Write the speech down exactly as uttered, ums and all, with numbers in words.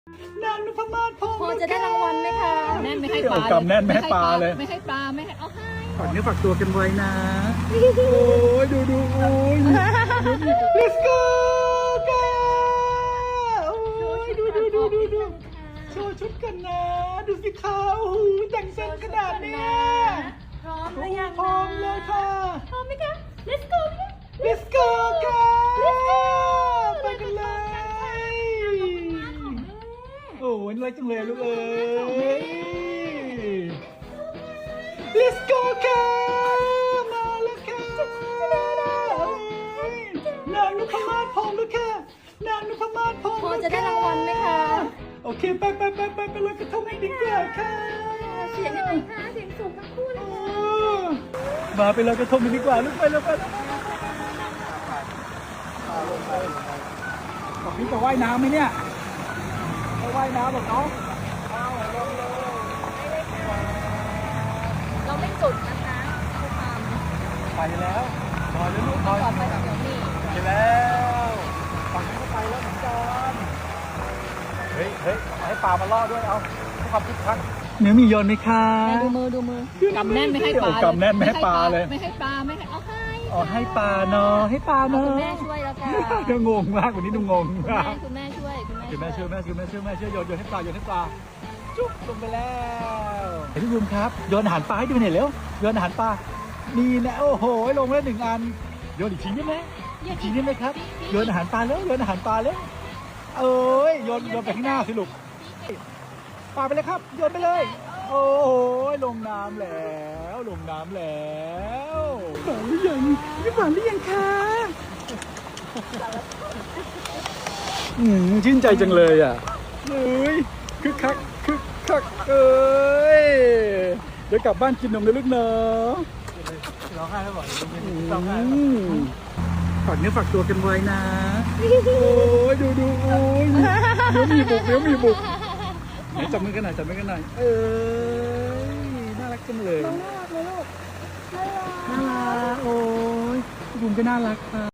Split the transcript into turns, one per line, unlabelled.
นางนพมาศพงศ์
พอจะได้รางวัลไหมคะแน่นไม่ให้ปลา
กำแน่นไม่ให้ปลาเลย
ไม่ให้ปลาไม่ให้เอาให้
ฝากเนื้อฝากตัวกันไว้นะ โอ้ยดูดูโอ้ย let's go กันโอ้ยดูดูดูดูดูโชว์ชุดกันนะ ดูสิคะโอ้โหแต่งเซ็งขนาดเนี้ย
พร้อมหรือยัง
พร้อมเลยค่ะ
พร้อมไหมคะ let's go
let's go กันไปกันเลย โอ้ยน่ารักจังเลยลูกเอ้ย let's go ค่ะมาแล้วค่ะนางนพมาศพงศ์แล้วค่ะนางนพมาศพงศ์
พอจะได้รางวัลไหมคะ
โอเคไปไปไปไปไปลอยกระทงกันดีกว่าค่ะ
เสียงยังไงคะเสียงสูงทั้งคู่เลย
โอ้มาไปลอยกระทงกันดีกว่าลูกไปแล้วไปแล้วบอกพี่จะว่ายน้ำไหมเนี่ยไปว่ายน้ำบอกน้อง
เราไม่จุดนะคะทุกความ
ไปแล้วนอนแล้วลูกนอน
ต่อไปเดี๋ยวนี่
ไปแล้วฝั่งนี้ก็ไปแล้วเหมือนกันเฮ้ยเฮ้ยให้ปลามาล่อด้วยเอาความคึกคักเนื้อมีโยนไหมคะ
ดูมือดูมือกำแน่นไม่ให้ปลา
โอ้กำแน่นไม่ให้ปลาเลย
ไม่ให้ปลาไม่ให้เอาให้
อ๋อให้ปลาเนาะให้ปลา
เอา
เนาะ
คุณแม่ช่วยแล้วค่ะ
ก็งงมากวันนี้ดูงง
คุณ
มาก
แม่คุณแม่ช่วยคุณ
คุณ
แม่
แม่ช่วยแม่ช่วยแม่ช่วยแม่ช่วยโยนโยนให้ปลาโยนให้ปลาจุ๊บลงไปแล้วเห็นพี่บูมครับโยนอาหารปลาให้ดูหน่อยเร็วโยนอาหารปลานี่นะโอ้โหลงแล้วหนึ่งอันโยนอีกทีได้ไหมอีกทีได้ไหมครับโยนอาหารปลาแล้วโยนอาหารปลาแล้วเอ้ยโยนโยนไปข้างหน้าสิลูกปลาไปเลยครับโยนไปเลย โอ้โหลงน้ำแล้วลงน้ำแล้วหวานหรือยังนี่หวานหรือยังคะอืมชื่นใจจังเลยอ่ะเฮ้ยคึกคักคึกคักเอ้ยเดี๋ยวกลับบ้านกินนมนะลูกเนาะร้องไห้แล้วบอกร้องไห้ฝากเนื้อฝากตัวกันไว้นะโอ้ยดูดูโอ้ยเดี๋ยวมีบุกเดี๋ยวมีบุกไหนจับมือกันหน่อยจับมือกันหน่อยเอ้ยน่ารักจังเลย
น่ารักเลยลูกน่ารัก
น่ารักโอ้ยบุ๋มก็น่ารักค่ะ